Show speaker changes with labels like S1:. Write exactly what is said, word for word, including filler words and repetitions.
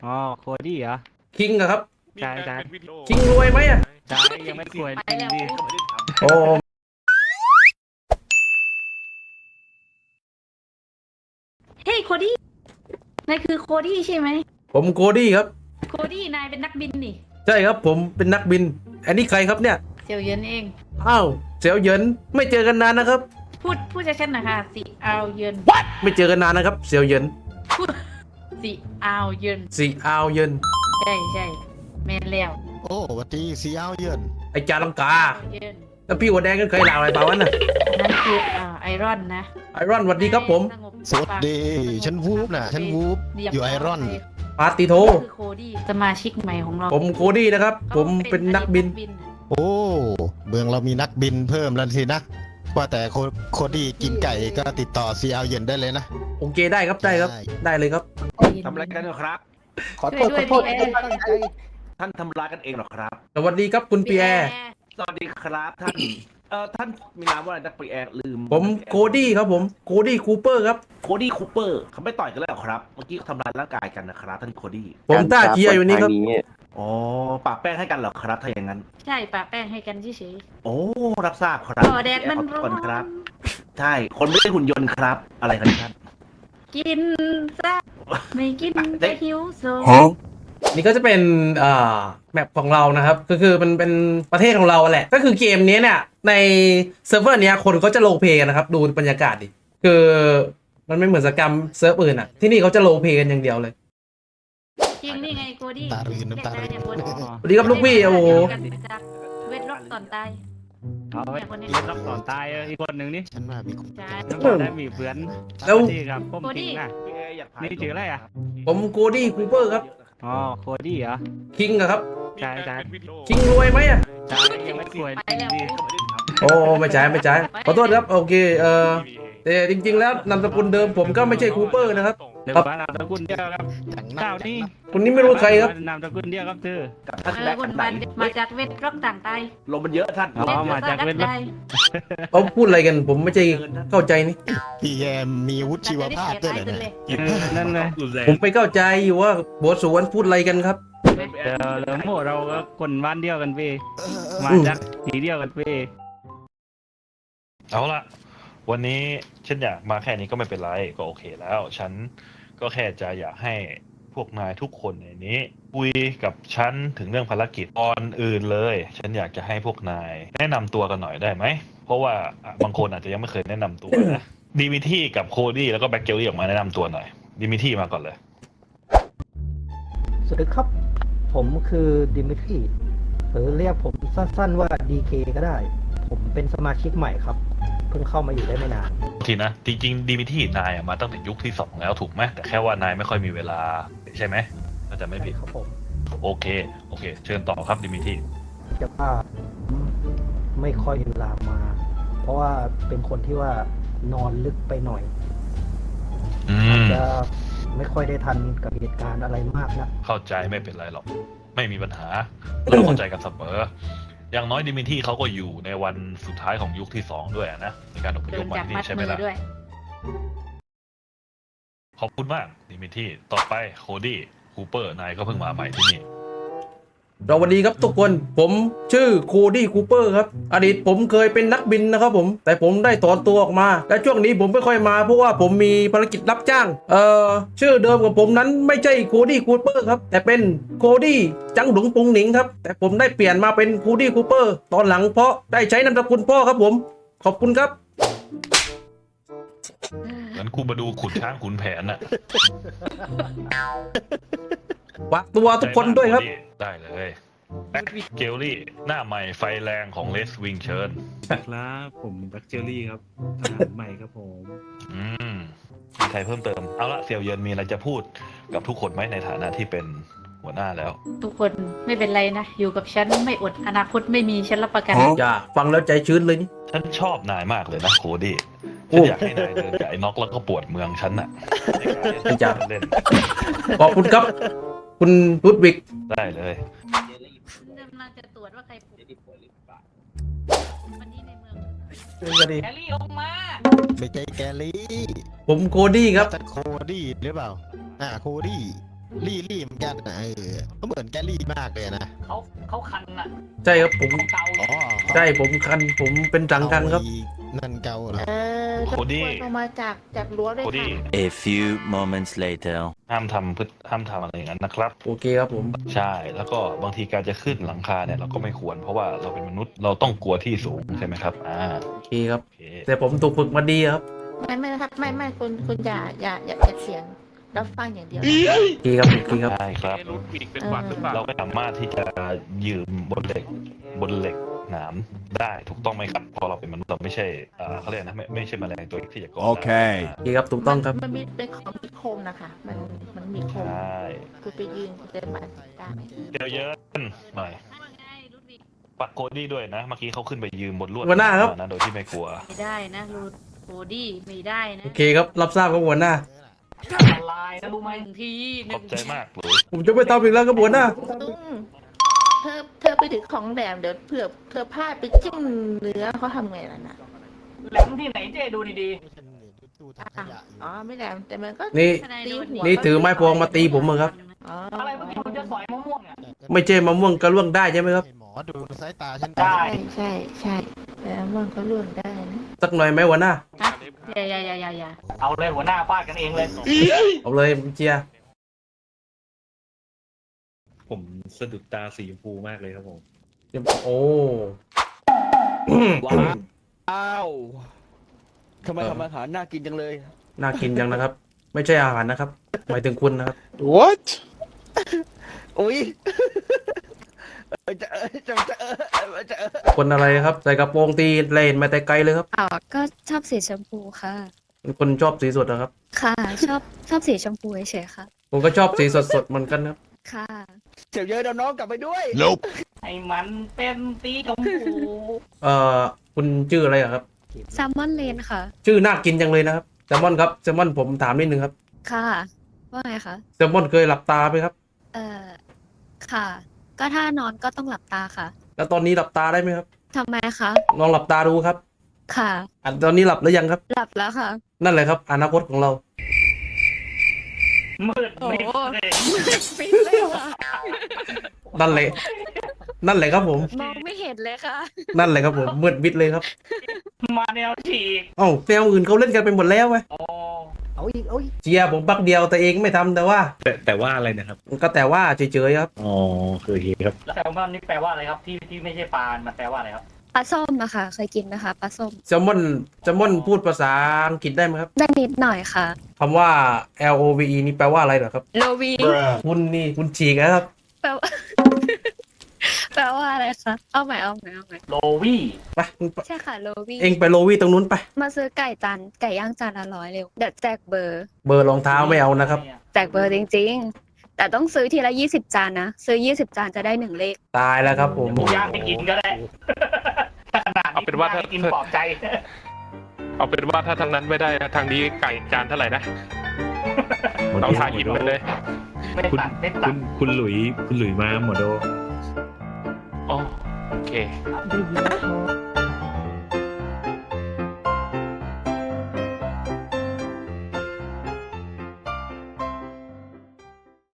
S1: อ๋อโคดี้เหรอ
S2: คิงอะครับ
S1: ใช่ใช่
S2: คิงรวยไหมอะ
S1: ใช่ยังไม่ควรจริงดิ
S2: โอ้
S3: เฮ้ยโคดี้นายคือโคดี้ใช่ไหม
S2: ผมโคดี้ครับ
S3: โคดี้นายเป็นนักบินนี่
S2: ใช่ครับผมเป็นนักบินอันนี้ใครครับเนี่ย
S3: เสี่ยวเหยินเอง
S2: อ้าวเสี่ยวเหยินไม่เจอกันนานนะครับ
S3: พูดพูดชัดๆหนะคะสิเอาเหยิน
S2: ไม่เจอกันนานนะครับเสี่ยวเหยิน
S3: พูดสิเอาเหยิน
S2: สีอาวเหยิน
S3: ใช่ใช่แม่นแล้ว
S4: โอ้วัดีสีเอาเยิน
S2: ไอจาลังกา
S3: เหยิน
S2: แล้วพี่หัวแดงกันเคยลาอะไรเปล่าวะน่ะ
S3: นั่นคืออ่าไอรอนนะ
S2: ไอรอนสวัสดีครับผม
S4: สวัสดีฉันวูบนะฉันวูบอยู่ไอรอน
S2: ปาติโท
S3: คือโคดี้สมาชิกใหม่ของเรา
S2: ผมโคดี้นะครับผมเป็นนักบิน
S4: โอ้เมืองเรามีนักบินเพิ่มแล้วสินะว่าแต่โคโคดี้กินไก่ก็ติดต่อซีเอาเย็นได้เลยนะ
S2: โอเคได้ครับได้ครับได้เลยครับ
S5: ทำอะไรกันเหรอครับ
S3: ขอโทษขอโทษไม่ได้ตั้งใจ
S5: ท่านทำร้ายกันเองเหรอครับ
S2: สวัสดีครับคุณปีแอร์
S5: สวัสดีครับท่านเอ่อท่านมีนามว่าอะไรนักปีแอร์ลืม
S2: ผมโคดี้ครับผมโคดี้คูเปอร์ครับ
S5: โคดี้คูเปอร์เขาไม่ต่อยกันแล้วเหรอครับเมื่อกี้เขาทำร้ายร่างกายกันนะครับท่านโคดี้
S2: ผมต้าเจียอยู่นี่ครับ
S5: อ๋อปากแป้งให้กันเหรอครับถ้าอย่างนั้น
S3: ใช่ปะแป้งให้กันเฉย
S5: โอ้รับทราบครับ
S3: อ๋อแดดมันร้อน
S5: ครับใช่คนไม่ใช่หุ่นยนต์ครับอะไรครับท่าน
S3: กินซะไม่กินจะหิวโซ
S2: นี่ก็จะเป็นอ่าแมปของเรานะครับก็คือมันเป็นประเทศของเราแหละก็คือเกมนี้เนี่ยในเซิร์ฟเวอร์นี้คนเขาจะโลเพกันนะครับดูบรรยากาศดิคือมันไม่เหมือนสกรรมเซิร์ฟอื่นอ่ะที่นี่เขาจะโลเพกันอย่างเดียวเลย
S3: จริงนี่ไงโกดี้
S4: ตาลืนน้ำตาลืน
S2: สวัสดีครับลูกพี่โอ้โห
S3: เวทล็อกตอนตาย
S1: เอาไว้เล่นรับต่อตายอีกคนหนึ่งนี่
S4: ฉันว่ามีคน
S1: น้ำตาได้มีเพื่อนแล้วนี่ครับผมจริงนะนี่ชื่ออะไรอ่ะ
S2: ผมโคดี้คูเปอร์ครับ
S1: อ๋อโคดี้เหรอ
S2: คิงอะครับ
S1: ใช่ใช่
S2: คิงรวยไหมอะ
S1: ใช่ยังไม่ควรจริงดิ
S2: โอ้ไม่ใช่ไม่ใช่ขอโทษครับโอเคเออแต่จริงๆแล้วนามสกุลเดิมผมก็ไม่ใช่คูเปอร์นะครับ
S1: เดี๋ยวมานามสกุลเดียวครับเจ้านี่
S2: คนนี้ไม่รู้ใครครับ
S1: นามสกุลเดียวครับเธอ
S5: กับท่าน
S3: แบกคนมามาจากเวทล็อกต่างตาย
S5: ลมมันเยอะท่าน
S1: อ๋อมาจากเวทล็อก
S2: เขาพูดอะไรกันผมไม่ใช่เข้าใจนี่
S4: พี่แยมมีวุฒิชีวภาพด้วยเหรอเนี่ย
S1: นั่นเลย
S2: ผมไปเข้าใจอยู่ว่าบทสวนพูดอะไรกันครับ
S1: เดี๋ยวเราโม่เราก็คนบ้านเดียวกันพี่มาจากสีเดียวกันพี่
S6: เอาละวันนี้ฉันอยากมาแค่นี้ก็ไม่เป็นไรก็โอเคแล้วฉันก็แค่จะอยากให้พวกนายทุกคนในนี้คุยกับฉันถึงเรื่องภารกิจก่อนอื่นเลยฉันอยากจะให้พวกนายแนะนำตัวกันหน่อยได้ไหมเพราะว่าบางคนอาจจะยังไม่เคยแนะนำตัวนะดิมิที่กับโคดี้แล้วก็แบ็คเกลลี่ออกมาแนะนำตัวหน่อยดิมิที่มาก่อนเลย
S7: สวัสดีครับผมคือดิมิทรีหรือเรียกผมสั้นๆว่า ดี เค ก็ได้ผมเป็นสมาชิกใหม่ครับเพิ่งเข้ามาอยู่ได้ไม่นาน
S6: ทีนะจริงๆดิมิที่นายมาตั้งแต่ยุคที่สองแล้วถูกไหมแต่แค่ว่านายไม่ค่อยมีเวลาใช่ไหมน่าจะไม่ผิด
S7: ครับผม
S6: โอเคโอเคเชิญต่อครับดิมิที่
S7: จะว่าไม่ค่อยมีเวลามาเพราะว่าเป็นคนที่ว่านอนลึกไปหน่อยอาจจะไม่ค่อยได้ทันกับเหตุการณ์อะไรมากนะ
S6: เข้าใจไม่เป็นไรหรอกไม่มีปัญหาเราเข้าใจกันเสมออย่างน้อยดิมิที่เขาก็อยู่ในวันสุดท้ายของยุคที่สองด้วยนะในการอพยพมาที่นี่ใช่ไหมล่ะขอบคุณมากดิมิที่ต่อไปโคดี้คูเปอร์นายก็เพิ่งมาใหม่ที่นี่
S2: สวัสดีครับทุกคนผมชื่อโคดี้คูเปอร์ครับอดีตผมเคยเป็นนักบินนะครับผมแต่ผมได้ถอนตัวออกมาและช่วงนี้ผมไม่ค่อยมาเพราะว่าผมมีภารกิจรับจ้างเอ่อชื่อเดิมของผมนั้นไม่ใช่โคดี้คูเปอร์ครับแต่เป็นโคดี้จังหลงปุงหนิงครับแต่ผมได้เปลี่ยนมาเป็นโคดี้คูเปอร์ตอนหลังเพราะได้ใช้นามสกุลพ่อครับผมขอบคุณครับ
S6: งั้นคุณมาดูขุนช้างขุนแผนน่ะ
S2: ฝากตัวทุกคนด้วยครับ
S6: ได้เลยแบ็คเกลลี่หน้าใหม่ไฟแรงของเลสวิงเชิญ
S1: ครับผมแบ็คเจลลี่ครับทหารใหม่ครับผม
S6: อืมมีใครเพิ่มเติมเอาละเสี่ยวเยินมีอะไรจะพูดกับทุกคนไหมในฐานะที่เป็นหัวหน้าแล้ว
S3: ทุกคนไม่เป็นไรนะอยู่กับฉันไม่อดอนาคตไม่มีฉันรับประกัน
S2: อย่าฟังแล้วใจชื้นเลยนี่
S6: ฉันชอบนายมากเลยนะโคดี้ฉันอยากให้นายเดินกับไอ้น็อกแล้วก็ปวดเมืองฉันน่ะ
S2: ไม่จ้า
S6: เล่น
S2: ขอบคุณครับคุณรุดวิก
S6: ได้เลย
S3: กำลังจะตรวจว่าใครป่วยหรือเปล่าวันนี้ในเมืองแกลี่ออกมา
S4: ไม่ใช่แกลี่
S2: ผมโคดี้ครับ
S4: โคดี้หรือเปล่าอ่าโคดี้ลี่ลี่เหมือนกันนะเออเขาเหมือนแกลี่มากเลยนะ
S8: เขาเขาคันอ่ะ
S2: ใช่ครับผม
S8: เกา
S4: อ๋อ
S2: ใช่ผมคันผมเป็นจังคันครับ
S4: นั่นเกาเหรอ
S3: เออ
S6: โคดี้
S3: ลงมาจากจากรั้วด้วย
S6: โค
S3: ค่ะ
S6: ดี้
S9: A few moments later.
S6: ห้ามทำพฤติห้ามทำอะไรอย่างนั้นนะครับ
S2: โอเคครับผม
S6: ใช่แล้วก็บางทีการจะขึ้นหลังคาเนี่ยเราก็ไม่ควรเพราะว่าเราเป็นมนุษย์เราต้องกลัวที่สูงใช่ไหมครับอ่า
S2: โอเคครับ
S6: โอเค
S2: แต่ผมถูกฝึกมาดีครับ
S3: ไม่ไม่ครับไม่ไม่คุณคุณอย่าอย่าอย่าอย่าเสียงรับฟังอย่างเดียวนะ
S2: โอเคครับโอเคครับ
S6: ใช่ครับ
S1: รูทวีกเป็นหวัดหรือเปล่า
S6: เราไม่สามารถที่จะยืมบนเหล็กบนเหล็กหนามได้ถูกต้องไหมครับเพราะเราเป็นมนุษย์เราไม่ใช่อ่าเขาเรียกนะไม่ไม่ใช่แมลงตัวที่จะก่อ
S9: โอเค
S2: โอเคครับถูกต้องครับ
S3: มันมีเป็นของมีคมนะคะ มันมันมีค
S6: ใช
S3: ม่ คือไปยืนเดินมาได้ไหม
S6: เดี๋ยวเยอะหน่อย
S3: ว่าไงรูดวิก
S6: ปักโคดี้ด้วยนะ เมื่อกี้เขาขึ้นไปยืมบนลวด
S2: หัวหน้าครับ
S6: นะโดยที่ไม่กลัว
S3: ไม่ได้นะรูดโคดี้ไม่ได้นะ
S2: โอเคครับรับทราบครับหัวหน้า
S8: ละลายนะรู้ไหม
S3: หนึ่งทีห
S6: ข
S3: นึ่
S6: อบ
S3: ง
S6: ใจ
S3: ที
S6: มากเลย
S2: ผมจะไม่ทำอีกแล้วครับหัวหน้า
S3: ตุ้งเธอเธอไปถือของแหลมเดี๋ยวเผื่อเธอพลาดไปจิ้มเนื้อเขาทำไงล่ะนะ
S8: แหลมที่ไหนเจ๊ดูดี
S3: อ่ะอ๋อไม่แหลมแต่มันก็
S2: นี่
S3: ตีหัว
S2: นี่ถือไม้พวงมาตีผมเหรอครับ
S3: อ๋อ
S8: ๆ อะไรเมื่อกี้คุณจะสอยมะม่วงเนี่ย
S2: ไม่ใช่มะม่วงกระล่วงได้ใช่ไหมครับ
S4: หมอดูสายตาฉัน
S8: ได้
S3: ใช่ใช่ใช่แล้วมันก็ล่วงได้นะ
S2: สักหน่อยไหมหัวหน้า
S3: ฮะอย่าอย่าอย่าอย่าอย่า
S8: เอาเลยหัวหน้าฟาดกันเองเลย
S2: เอาเลยผมเชียร์
S10: ผมสะดุดตาสีชมพูมากเลยครับผม
S2: โอ้
S11: ว้าวทำไมทำอาหารน่ากินจังเลย
S2: น่ากินจังนะครับ ไม่ใช่อาหารนะครับหมายถึงคุณนะครับ
S4: What
S11: โอ้ยจะเออจะจะเออจะเออ
S2: คนอะไรครับใส่กระโปรงตีเลนมาแต่ไกลเลยครับ
S12: อ๋อก็ชอบสีชมพูค่ะ
S2: เป็นคนชอบสีสดนะครับ
S12: ค่ะ ชอบชอบสีชมพูเฉยๆค่ะ
S2: ผมก็ชอบสีสดๆเหมือนกันครับ
S12: ค่ะ
S11: เดี๋ยวเยอะเดี๋ยวน้องกลับไปด้วย
S4: Nope
S8: ไอ้มันเป็นตีชมพู
S2: เอ่อคุณชื่ออะไรอะครับ
S12: แซลมอนเลนค่ะ
S2: ชื่อน่ากินจังเลยนะครับแซลมอนครับแซลมอนผมถามนิดนึงครับ
S12: ค่ะ ว่าไงคะ
S2: แซลมอนเคยหลับตาไหมครับ
S12: เอ่อ ค่ะ ก็ถ้านอนก็ต้องหลับตาค่ะ
S2: แล้วตอนนี้หลับตาได้ไหมครับ
S12: ทำไมคะ
S2: ลองหลับตาดูครับ
S12: ค่ะ
S2: อ่ะตอนนี้หลับหรือยังครับ
S12: หลับแล้วค่ะ
S2: นั่นแหละครับอนาคตของเรา
S8: มืดมิดเลย
S12: ปิดเลยค่ะ
S2: นั่นแหละนั่นแหละครับผม
S12: มองไม่เห็นเลยค่ะ
S2: นั่นแหละครับผมมืดมิดเลยครับ
S8: มาแนวฉีก
S2: เอ้าแนวอื่นเขาเล่นกันไปหมดแล้วไง
S8: โอ้
S7: เอาอีกเอาอีก
S2: เจียผมปักเดียวแต่เองไม่ทำแต่ว่า
S10: แต่แต่ว่าอะไรนะครับ
S2: ก็แต่ว่าเฉยๆครับ
S10: อ๋อคือเฮครับ
S8: แล้วแซลมอนนี่แปลว่าอะไรครับ ที่ที่ไม่ใช่ปลา มันแปลว่าอะไรครับ
S12: ปลาส้มอะค่ะ เคยกินไหมคะปลาส้ม
S2: แซลมอนแซลมอนพูดภาษาอังกฤษได้ไหมครับ
S12: ได้นิดหน่อยค่ะ
S2: คำว่า L O V E นี่แปลว่าอะไรเหรอครับ
S12: โลวี
S2: คุณนี่คุณฉีกนะครับ
S12: แปลว่า แปลว่าอะไรคะ เอาใหม่เอาใหม่เอาใหม่
S8: โลวี่
S2: ไปมึงไป
S12: ใช่ค่ะโลวี
S2: เองไปโลวี่ตรงนู้นไป
S12: มาซื้อไก่จานไก่ย่างจานละร้อยเร็วเดี๋ยวแจกเบอร์
S2: เบอร์รองเท้าไม่เอานะครับ
S12: แจกเบอร์จริงๆ แต่ต้องซื้อทีละยี่สิบจานนะ ซื้อยี่สิบจานจะได้หนึ่งเลข
S2: ตายแล้วครับผม
S8: หมูย่างให้กินก็ได้ขนาดนี้
S1: เอาเป็นว่าถ้า
S8: ให้กินปลอบใจ
S1: เอาเป็นว่าถ้าทางนั้นไม่ได้นะทางนี้ไก่จานเท่าไหร่นะเราทายอินไปเลย
S8: ไม่
S10: คุณ
S8: ตัดไม่ตั
S10: คุ
S8: ด
S10: ณคุณหลุยคุณหลุยมาหมดโด
S1: อ๋อโอเค
S3: ดื่มน้ำ